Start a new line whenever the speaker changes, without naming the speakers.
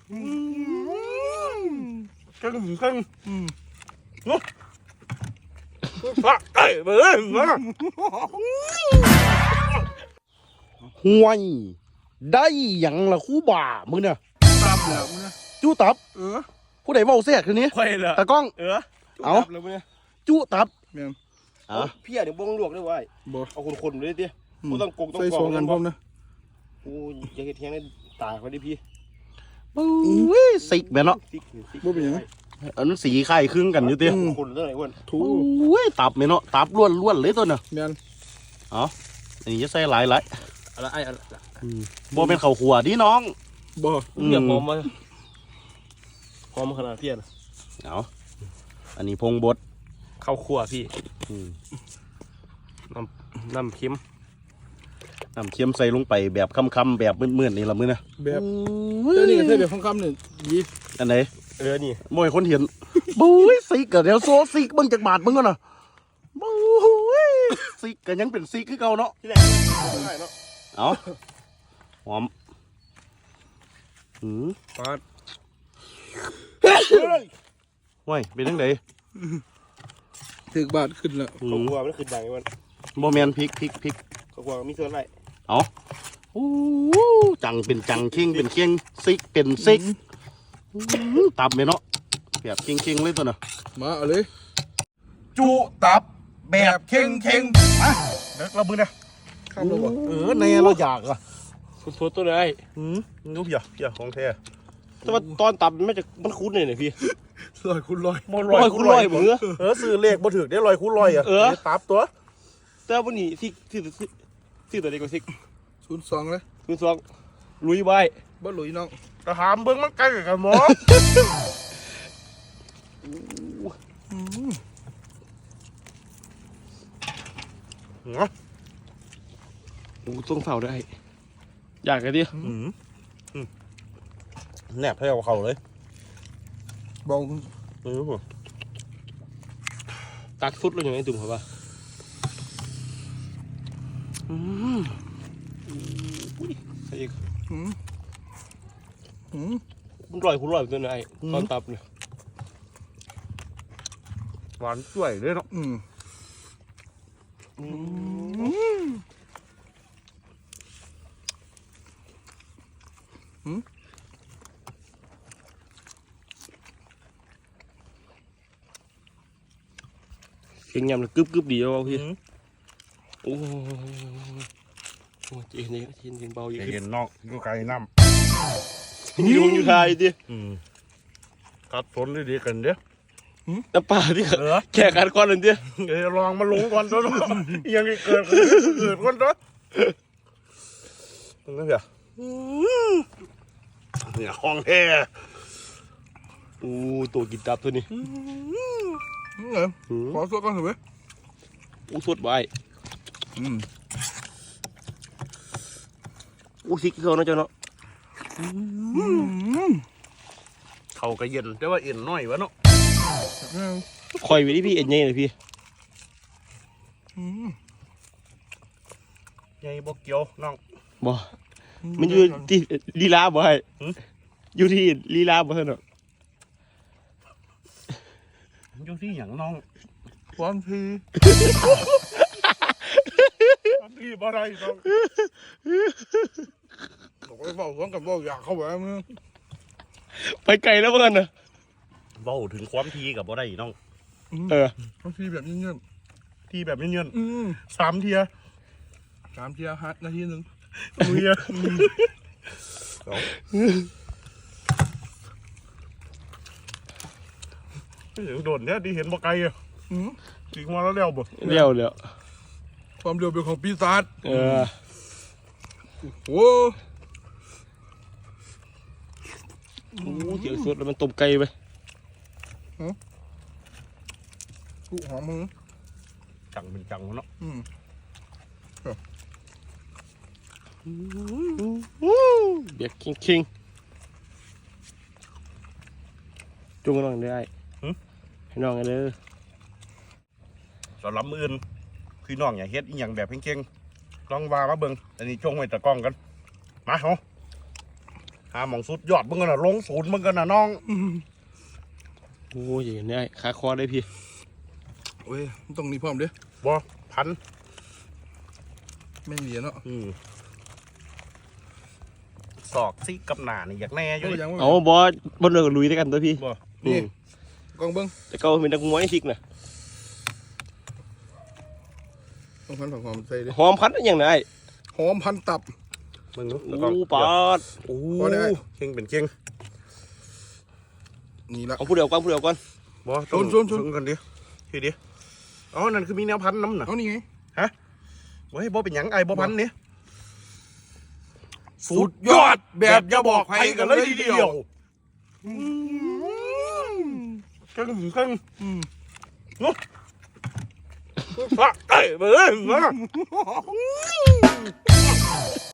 กันเนาะฟักไก่เบิ้ลมาห่วยได้ยังละคู่บ่ามึงเนี่ยตับแล้วมึงเนี่ยจู้ตับผู้ใดเมาเสียคืนนี้ตะก้องเอาจู้ตับ
พี่เดี๋ยวบ้องลวกได้ไว้เอาคนๆเลยดิกูต้องกงต้องกองกันพร้อมนะกูอยากเห็นแทงได้ตายไปดิพี่
ปุ้ยสิกแบบเนาะ
บ่เป็นยังไง
อันนั้นสีไข่ครึ่งกันอยู่เตี้ย
คนเท่าไหร่วัน
ถูตับเนาะตับล้วนเลยตัวเนาะเอาอันนี้จะใส่หลาย
อะไร
บ่เป็นข้าวขัวดิน้อง
บ่เดี๋ยวหอมมาขนาดเพี้ยน
เอาอันนี้พงบด
ข้าวคั่วพี่น้ำเค็ม
ใส่ลงไปแบบค่ำๆแบบมืดๆนี่ละมื้อนะ
แบบเจ้านี่ใส่แบบค่ำๆนี่ยี
อันไหน
นี่
บ่อยคนเห็นบุ้ยซิกเดี๋ยวโซซิกเบิ่งจากบาทมึงก่อนนะบุ้ยซิกก็ยังเป็นซิกคือเก่าเนาะเอาหอม
ปาด
ว้ยเป็นยังไง
ถึกบาทขึ้นแล้วข้าวคั่วมันขึ้นดังไอ้วัน
บ่แมนพริก
ข้าวคั่วมีส่วนอะไร
เอาจังเป็นจังเข่งเป็นเข่งซิกเป็นซิกตับไหมเนาะแบบเข่งเลยตัวน่ะ
มาเอาเลย
จุตับแบบเข่งมาเด็กเรามือนะ
ข้ามเราบ่
ในเราอยากอ่ะ
สุดตัวเลย
นุ๊กอย่าของแท้
แต่ว่าตอนตับมันคุ้นเลยพี่
ลอยคูณลอย
คูณลอยเหมือน
ซื้อเลขบ่ถึกได้ลอยคูณลอยอ่ะตับตัว
แต่วันนี้ที่ตัวเด็กกว่าซิก
02เลย
02ลุยไว้
บ่ลุยน้อง
กระหามเบิ้งมันใกล้กับหมอ
ต้องเฝ้าได้อยากกันดิ
แนบให้เอาเขาเลย
บอง
ตักฟุตเลยอย่างไงตุ่มเขาป่ะใส่อีกมันลอยตัวไหนตอนตับเนี่ย
หวานสวยเลยเนาะ
เก่งยำเลยกึบดีเอาพี่โอ้เจนนี่เบาอยู่
เย็นนอกอยู่ไกลน้
ำอยู่ไทยดิ
กัดฝนดีกันเด้อ
น้ำปลาที่แข่กันก่อนเลยดิ
ลองมาลงก่อนตัวยังเกิดก่อนตัวนั่นเหรอเนี่ยห้องแท้
ตัวกินตับตัวนี้
ขอสดก่อนเถอะเว้ย
สดไว้ซิกเขาเนาะเจ้าเนาะ
เขาก็เย็นแต่ว่าเอ็นน้อยวะเนาะ
คอยไว้ที่พี่เอ็นยังเลยพี่
ใหญ่บ่เกี่ยวน้อง
บ่มันอยู่ที่ลีลาบ่ให้อยู่ที่ลีลาบ่เท่านั้น
อยู่ที่อย่างน้อง
ความที
บ่ได้น้อง
บอกไปเฝ้าสวนกับบ่อยากเข้าไปมึง
ไปไกลแล้วเพื่อนนะ
เว้าถึงความทีกับบ่ได้น้อง
ความทีแบบเงี้ย
ทีแบบเงี้ย3 เทีย
ฮัทนาทีนึง
มือโดนเนี่ยที่เห็นบ่ไกลอ่ะถึงมาแล้วเร็วบ่
เร็ว
ความเร็วเป็นของปีศาจโอ้
เจียวสดแล้วมันต้มไก่ไป
กูหอมมือ
จังเป็นจังเนาะ
เบียกคิงจุ่มน้องได้ให้น้องกันเลย
สำหรับมื้ออื่นคือน้องอย่าเฮ็ดอีหยังแบบเก่งๆลองว่ามาเบิ่งอันนี้ช่วงไว้ตะกล้องกันมาเฮาหาหมองสุดยอดมึงกันน่ะลงศูนย์มึงกันน่ะน้อง
โอ้ยอย่างนี้ขาคอได้พี่
โอ้ยมันต้องนี่พร้อมเด้อ
บ่พัน
แม่งเหลียเนาะ
ศอกซิกับหน้านี่อยากแน่อยู่
โอ้ยยัง
เอาบอสบนเรือลุยด้วยกันตัวพี่
บ่
นี่กองเบิ้ง
แต่ก็เป็นนักมวยซิกนะ
ต้องพันผักหอมใส่ดิ
หอมพัดอย่างไร
หอมพันตับ
มึงรู้
โอ้ปาด
โอ้
พอได้
เข่งเป็นเข่ง
นี่ละ
เอาผู้เดียวก่อนผู้เดียวก่อน
บ่
ชน
ชนกันดิทีดิอ๋อนั่นคือมีแนวพันน้ำน่ะ
เอานี่ไง
เฮ้ยบ่เป็นหยังไอ้บ่พันนี่
สุดยอดแบบอย่าบอกใครกันเลยทีเดียว
เข่งเข่ง
อืม
ฟักไก่เบ้อ